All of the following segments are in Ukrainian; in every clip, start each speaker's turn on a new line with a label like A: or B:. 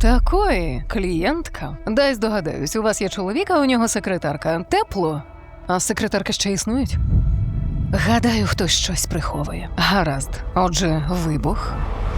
A: Такої клієнтка. Дай здогадаюсь, у вас є чоловік, а у нього секретарка. Тепло? А секретарки ще існують? Гадаю, хтось щось приховує. Гаразд. Отже, вибух.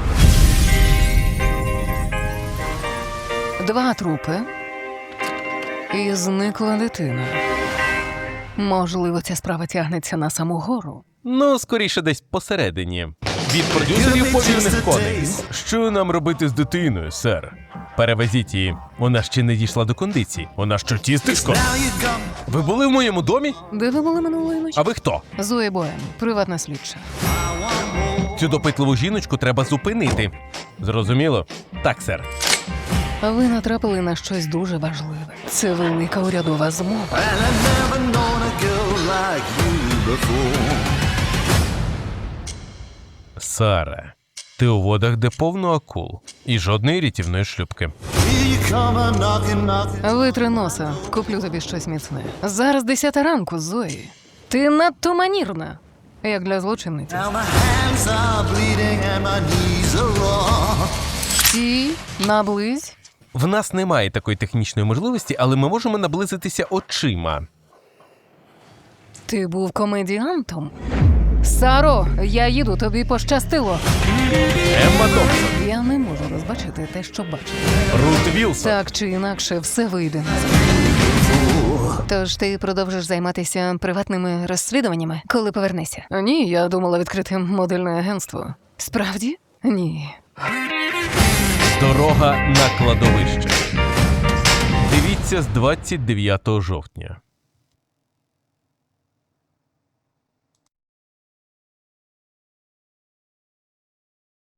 A: 2 трупи. І зникла дитина. Можливо, ця справа тягнеться на саму гору.
B: Ну, скоріше десь посередині. Від продюсерів повільних коней. Що нам робити з дитиною, сер? Перевезіть її. Вона ще не дійшла до кондиції. Вона що, тістечко? Ви були в моєму домі?
A: Де ви були минулої ночі?
B: А ви хто?
A: Зоя Боем, приватна слідча.
B: Цю допитливу жіночку треба зупинити. Зрозуміло? Так, сер.
A: Ви натрапили на щось дуже важливе. Це велика урядова змова.
B: Сара, ти у водах, де повно акул. І жодної рятівної шлюпки.
A: Витри носа, куплю тобі щось міцне. Зараз 10 ранку, Зої. Ти надто манірна, як для злочинниці. Ті, наблизь.
B: В нас немає такої технічної можливості, але ми можемо наблизитися очима.
A: Ти був комедіантом? Саро, я їду, тобі пощастило.
B: Емма Томпсон.
A: Я не можу розбачити те, що бачу.
B: Рут Вілсон.
A: Так чи інакше, все вийде. Тож ти продовжиш займатися приватними розслідуваннями, коли повернешся? Ні, я думала відкрити модельне агентство. Справді? Ні.
B: Дорога на кладовище. Дивіться з 29 жовтня.